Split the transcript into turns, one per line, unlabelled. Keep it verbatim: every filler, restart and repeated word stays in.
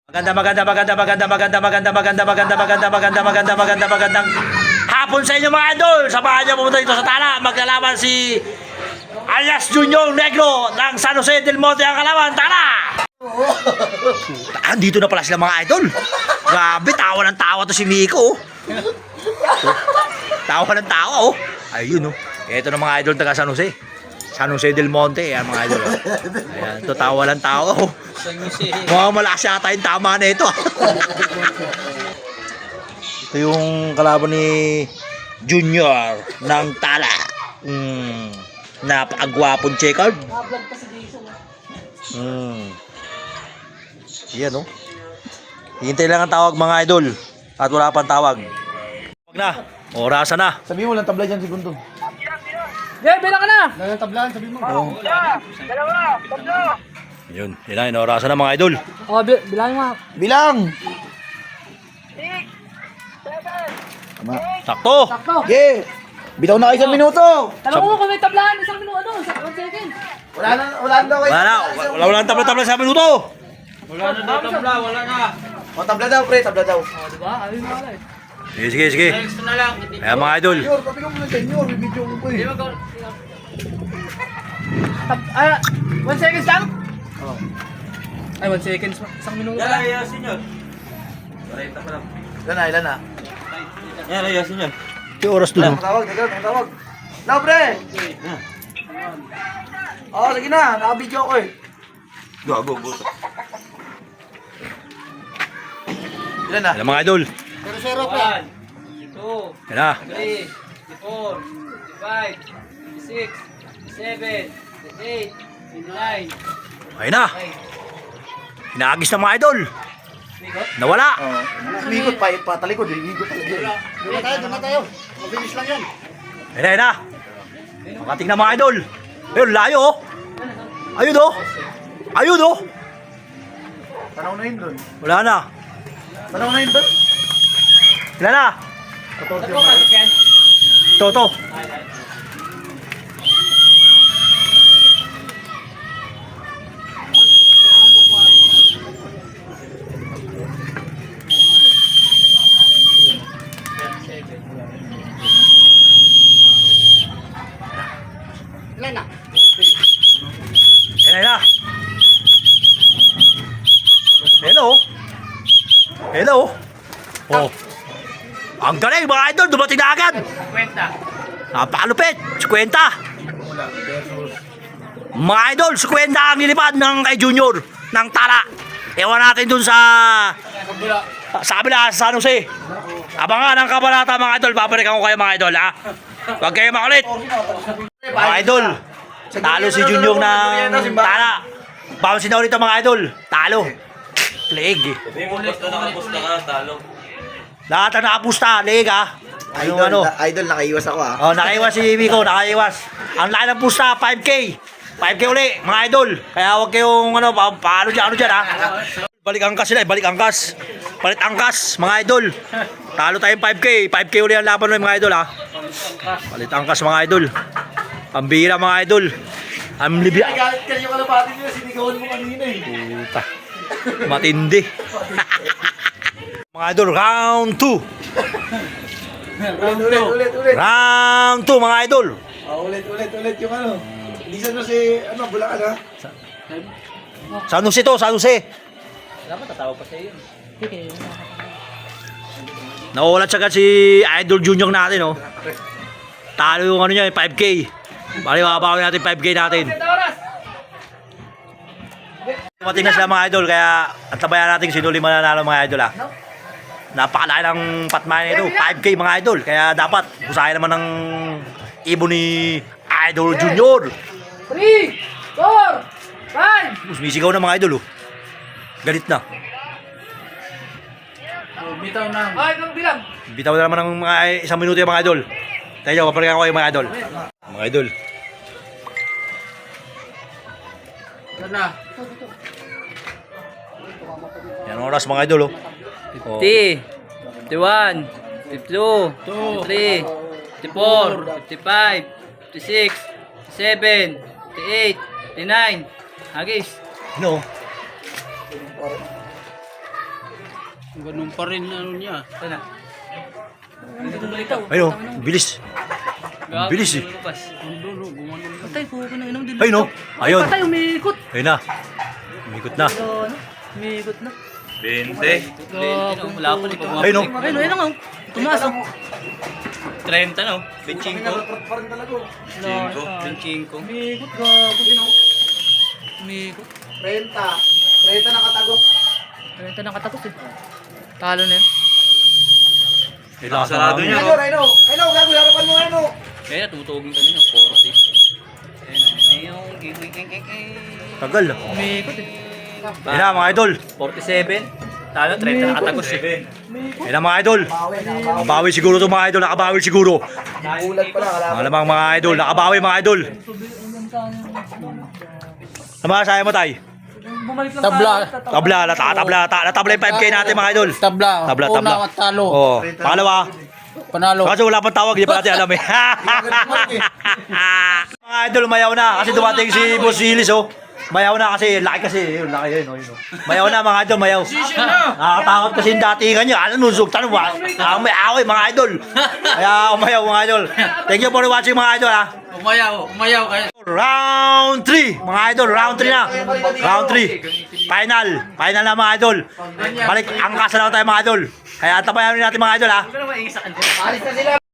Maganda, maganda, maganda, maganda, maganda, maganda, maganda, maganda, maganda, maganda, maganda, maganda, magandang hapon sa inyo mga idol. Samahan niyo pumunta dito sa Tala. Maglalaban si alias Junior Negro ng San Jose del Monte ang kalaban. Tala! Andito na pala sila mga idol. Grabe, tawa ng tawa to si Miko. Tawa ng tawa oh. Ayun oh. Ito na mga idol taga San Jose. San Jose del Monte, yan mga idol. Ayan, ito tawa ng tawa oh. Mukhang malakas yata yung tama na ito. Ito yung kalaban ni Junior ng Tala. Mm, napakagwapong checkered. Mm. Yan o. Oh. Hintay lang ang tawag mga idol. At wala pang tawag. Huwag na. Orasan na.
Sabi mo lang tabla dyan, segundo.
Yeah, bilang ka na!
Lang tablaan, sabi mo.
Oh. Dalawa! Tatlo!
Yun. Yun na. Orasan na mga idol.
Oh, bi bilang mo.
Bilang!
six, seven,
Tama.
Sakto.
sakto!
Okay! Bitaw na kayo isang minuto!
Tanong mo kung may tablahan, isang minuto, ano? Sa one second.
Wala na, wala na daw kayo.
Wala na. Wala wala ang tabla-tabla sa minuto.
Wala na daw tabla, wala na.
O, tabla daw, pre, tabla daw.
Oh, diba? Ano yung mga eh.
Sige, sige, sige.
Next na lang.
Ayan mga idol.
Senyor, papi ka muna senyor, may video ko
Hindi
eh.
mo gawin. Tab ah, one seconds lang?
Oh.
Ay, one seconds. Isang minuto
Yan
lang.
ay yasin yun. Parenta pa lang.
Ilan na, ilan na?
Yan ay yasin yun.
Yung oras dun.
Ang tawag, teka, ang tawag. Now, pre! Oo, sige na, naka-video ko eh.
Gago, buto.
Ilan na?
Ayan mga idol.
Zero-zero,
One, two,
Ayan na.
three, four, five, six, seven, eight, nine.
Ayun na. Inaagis na mga idol. Nawala.
Oo. Umikot pa, patalikod eh, umikot talaga eh. Doon na tayo, doon na tayo. Mabilis lang yan.
Ayun na, ayun na. Makating na mga idol. Ayun, layo oh. Ayun oh. Ayun oh.
Tanaw na yun doon.
Wala na.
Tanaw na yun doon.
Wala na.
Totoo siya.
Ito, ito.
Ilan na?
Ayun na, ayun na. Hello. Hello. Oh. Ang galing mga idol, dumating na agad.
Kwenta.
Napakalupit. Kwenta. Mga idol, kwenta ang nilipad ng kay Junior ng Tala. Ewan natin dun sa sa kabila sa San Jose. Abangan ang kabalata mga idol. Babalikan ko kayo mga idol ha. Huwag kayo makulit. Mga idol, talo si Junior ng Tala. Bounce na ulit ang mga idol. Talo. Leeg.
Hindi mo basta nakapusta ka, talo.
Lahat ang nakapusta. Leeg ha. Ano
Idol,
ano.
na- idol, nakaiwas ako ah.
Oh, nakaiwas si Miko, nakaiwas. Ang laki ng pusta, five K. five K uli, mga idol. Kaya huwag kayong ano, pa, paano dyan, ano dyan ha. Balik angkas sila, eh, balik angkas. Palit angkas, mga idol. Talo tayong five K. five K uli ang laban ng mga idol ha. Palit angkas mga idol. Pambira mga idol. Ang libi...
Galit ka yung kalapati nila, sinigawan mo kanina eh.
Puta. Matindi. Mga idol, round two.
Ulit, ulit, ulit, ulit.
Round two mga idol.
Oh, ulit, ulit, ulit yung ano. Hindi sa no si, ano, Bulacan ha?
San Jose to, San Jose.
Dapat tatawa pa sa'yo. Okay.
Nauulat siya si Idol Junior natin, oh. Talo yung ano niya, five K. Bali, makapawin natin five K natin.
Oras!
Tumating na sila mga idol, kaya at tabayan natin sino lima nanalo mga idol, ah. Napakalaki ng patmayan nito, five K mga idol. Kaya dapat, usahin naman ng ibon ni Idol Junior.
three, four, five.
Sumisigaw na mga idol, oh. Galit na.
Bitaw na. Ay, kang bilang.
Bitaw na naman ng mga isang minuto yung mga idol. Tayo, papalikan ko kayo mga idol. Mga idol.
Yan na.
Yan ang oras mga idol, oh. Oh.
fifty, fifty-one, fifty-two, fifty-three, fifty-four, fifty-five, fifty-six, fifty-seven, fifty-eight, 59. Hagis.
Ano?
Ganun pa rin ano niya. Ito na.
Ayun, oh, bilis. Bilis eh.
Patay, puko na inom din.
Ayun, oh. Ayun.
Patay, umiikot.
Ayun na. Umikot na.
Ano? Umiikot na.
Bente.
Wala pa rin.
Ayun, oh.
Ayun, ayun na. Tumaas. oh. trenta na. Benchinko.
Pa rin talaga.
Cinco.
Benchinko.
Umigot, gago din ako.
Umiikot.
Renta. Renta nakatago.
trenta na katapos eh. Talo na yun.
Kailangan
Sarado niya.
Ayun, Reno. Reno, gago, harapan mo, Reno.
Kaya natutugin kanina. forty. Ayun.
Tagal.
Umiikot eh.
Ayun na mga idol.
forty-seven. Talo, trenta na katapos eh.
Ayun na mga idol. Nakabawi siguro to mga idol. Nakabawi siguro.
Ulag pala, kalaban.
Malamang mga idol. Nakabawi mga idol. Ano masaya mo tay?
Tabla.
Tabla, lata, tabla, lata, natabla yung five K natin mga idol.
Tabla.
Tabla, tabla.
Una, talo.
Oh, pangalawa.
Panalo.
Kasi wala pang tawag, hindi pa natin alam eh. Mga idol, mayaw na. Kasi dumating si Boss Willis, oh. Mayaw na kasi, laki kasi. Yun, laki yun, oh, yun, oh. Mayaw na mga idol, mayaw. Nakakatakot kasi yung datingan niya. Ano, nusog, tanong ba? Ang may away, mga idol. Kaya umayaw, mga idol. Thank you for watching, mga idol, ha.
Umayaw, umayaw kayo.
Round three, mga idol, round three na. Round three. Final. Final na mga idol. Balik, angkas na lang tayo mga idol. Kaya tapayan natin mga idol ha.
Alis na sila.